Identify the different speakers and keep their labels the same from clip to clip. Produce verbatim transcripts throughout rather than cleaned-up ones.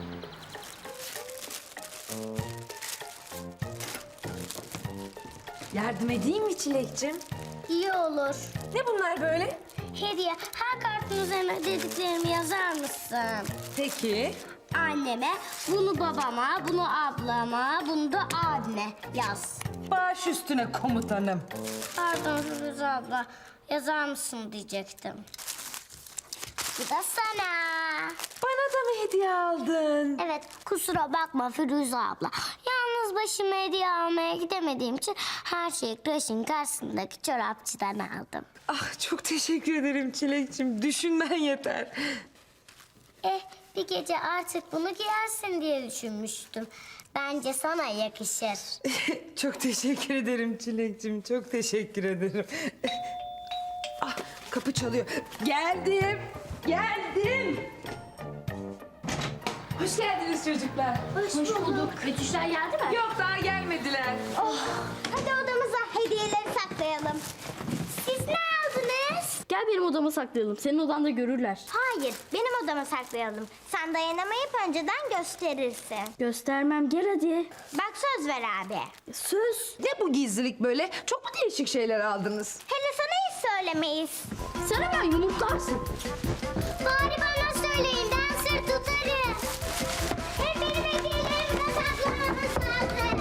Speaker 1: Yardım edeyim mi Çilek'cim?
Speaker 2: İyi olur.
Speaker 1: Ne bunlar böyle?
Speaker 2: Hediye, her kartın üzerine dediklerimi yazar mısın?
Speaker 1: Peki.
Speaker 2: Anneme, bunu babama, bunu ablama, bunu da abime yaz.
Speaker 1: Baş üstüne komutanım.
Speaker 2: Pardon Firuze abla, yazar mısın diyecektim. Bu da sana.
Speaker 1: Bana da mı hediye aldın?
Speaker 2: Evet, kusura bakma Firuze abla. Yalnız başıma hediye almaya gidemediğim için her şeyi kreşin karşısındaki çorapçıdan aldım.
Speaker 1: Ah, çok teşekkür ederim Çilek'cim. Düşünmen yeter.
Speaker 2: Eh, bir gece artık bunu giyersin diye düşünmüştüm. Bence sana yakışır.
Speaker 1: Çok teşekkür ederim Çilek'cim. Çok teşekkür ederim. Ah, kapı çalıyor. Geldim. Geldim. Hoş geldiniz çocuklar.
Speaker 2: Hoş, bulduk. Betüşler geldi mi?
Speaker 1: Yok, daha gelmediler.
Speaker 2: Oh, hadi odamıza hediyeleri saklayalım. Siz ne aldınız?
Speaker 3: Gel benim odama saklayalım. Senin odanda görürler.
Speaker 2: Hayır, benim odama saklayalım. Sen dayanamayıp önceden gösterirsin.
Speaker 3: Göstermem, gel hadi.
Speaker 2: Bak söz ver abi.
Speaker 3: Söz.
Speaker 1: Ne bu gizlilik böyle? Çok mu değişik şeyler aldınız?
Speaker 2: Hele sana hiç söylemeyiz.
Speaker 3: Sen hemen yumurtlarsın.
Speaker 2: Bari bana söyleyin, ben sır tutarım. Hep benim hediyelerimi de saklamanız lazım.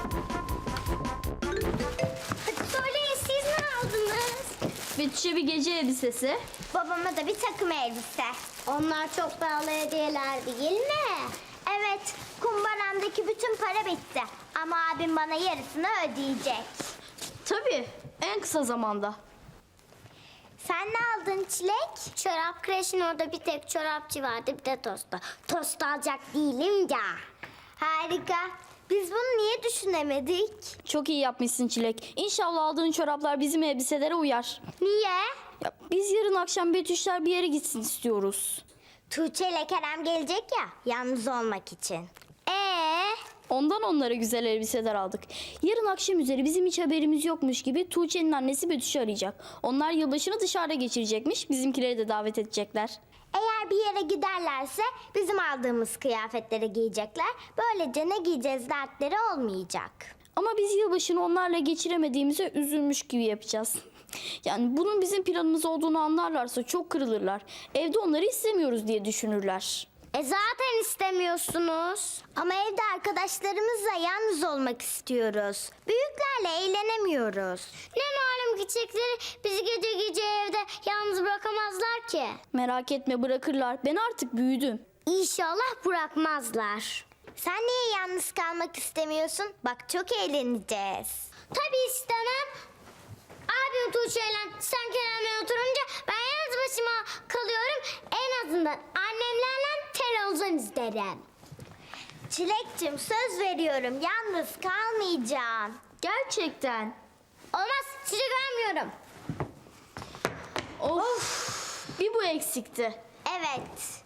Speaker 2: Hadi söyleyin, siz ne aldınız?
Speaker 3: Betüş'e bir gece elbisesi.
Speaker 2: Babama da bir takım elbise. Onlar çok pahalı hediyeler değil mi? Evet, kumbaramdaki bütün para bitti. Ama abim bana yarısını ödeyecek.
Speaker 3: Tabii, en kısa zamanda.
Speaker 2: Sen ne aldın Çilek? Çorap kreşin orada bir tek çorapçı vardı, bir de tosta. Tost alacak değilim ya. Harika. Biz bunu niye düşünemedik?
Speaker 3: Çok iyi yapmışsın Çilek. İnşallah aldığın çoraplar bizim elbiselere uyar.
Speaker 2: Niye?
Speaker 3: Ya, biz yarın akşam Betüşler bir yere gitsin istiyoruz.
Speaker 2: Tuğçe ile Kerem gelecek ya, yalnız olmak için. Ee?
Speaker 3: Ondan onlara güzel elbiseler aldık. Yarın akşam üzeri bizim hiç haberimiz yokmuş gibi Tuğçe'nin annesi Betüş'ü arayacak. Onlar yılbaşını dışarıda geçirecekmiş. Bizimkileri de davet edecekler.
Speaker 2: Eğer bir yere giderlerse bizim aldığımız kıyafetleri giyecekler. Böylece ne giyeceğiz dertleri olmayacak.
Speaker 3: Ama biz yılbaşını onlarla geçiremediğimize üzülmüş gibi yapacağız. Yani bunun bizim planımız olduğunu anlarlarsa çok kırılırlar. Evde onları istemiyoruz diye düşünürler.
Speaker 2: E zaten istemiyorsunuz. Ama evde arkadaşlarımızla yalnız olmak istiyoruz. Büyüklerle eğlenemiyoruz. Ne malum küçükleri bizi gece gece evde yalnız bırakamazlar ki.
Speaker 3: Merak etme, bırakırlar. Ben artık büyüdüm.
Speaker 2: İnşallah bırakmazlar. Sen niye yalnız kalmak istemiyorsun? Bak çok eğleneceğiz. Tabii istemem. Abim Tuğçe'yle sen Kerem'le oturunca ben yalnız başıma kalıyorum. En azından annemlerle televizyon izlerim. Çilek'cim söz veriyorum yalnız kalmayacağım.
Speaker 3: Gerçekten.
Speaker 2: Olmaz çilek vermiyorum.
Speaker 3: Of. Bir bu eksikti.
Speaker 2: Evet.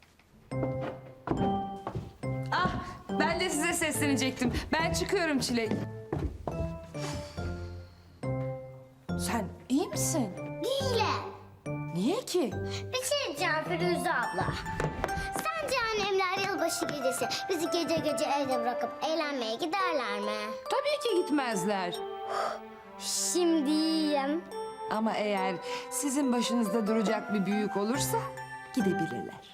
Speaker 1: Ah, ben de size seslenecektim. Ben çıkıyorum Çilek. Sen iyi misin?
Speaker 2: Değilim.
Speaker 1: Niye ki?
Speaker 2: Bir şey diyeceğim Firuze abla. Sence annemler yılbaşı gecesi bizi gece gece evde bırakıp eğlenmeye giderler mi?
Speaker 1: Tabii ki gitmezler.
Speaker 2: Şimdi iyiyim.
Speaker 1: Ama eğer sizin başınızda duracak bir büyük olursa gidebilirler.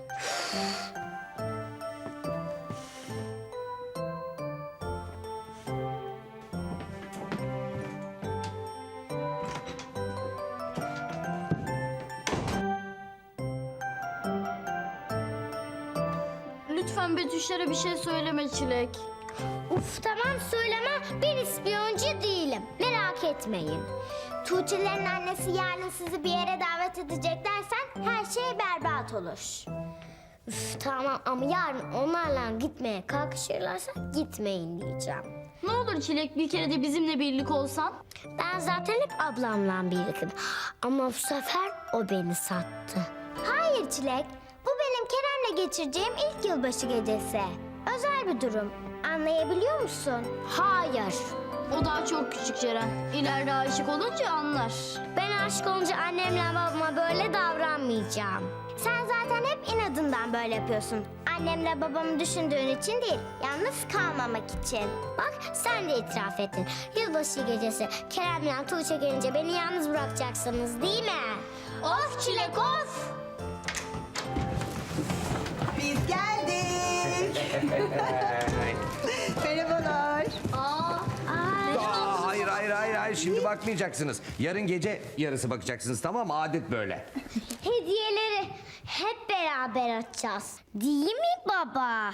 Speaker 3: Lütfen Betüşlere bir şey söyleme Çilek.
Speaker 2: Uf tamam söyleme, ben ispiyoncu değilim. Merak etmeyin. Tuğçe'lerin annesi yarın sizi bir yere davet edecek dersen her şey berbat olur. Üf tamam ama yarın onlarla gitmeye kalkışırlarsa gitmeyin diyeceğim.
Speaker 3: Ne olur Çilek, bir kere de bizimle birlik olsan.
Speaker 2: Ben zaten hep ablamla birliktim. Ama bu sefer o beni sattı. Hayır Çilek, bu benim Kerem'le geçireceğim ilk yılbaşı gecesi. Özel bir durum. Anlayabiliyor musun? Hayır.
Speaker 3: O daha çok küçük Ceren. İleride aşık olunca anlar.
Speaker 2: Ben aşık olunca annemle babama böyle davranmayacağım. Sen zaten hep inadından böyle yapıyorsun. annemle babamı düşündüğün için değil, yalnız kalmamak için. Bak sen de itiraf ettin. Yılbaşı gecesi Kerem'le Tuğçe gelince beni yalnız bırakacaksınız değil mi? Of Çilek of!
Speaker 4: Biz geldik. Merhabalar.
Speaker 2: Aa,
Speaker 5: Aa, hayır hayır hayır hayır şimdi bakmayacaksınız. Yarın gece yarısı bakacaksınız, tamam mı? Adet böyle.
Speaker 2: hediyeleri hep beraber açacağız. Değil mi baba?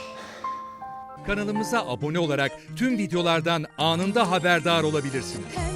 Speaker 6: Kanalımıza abone olarak tüm videolardan anında haberdar olabilirsiniz.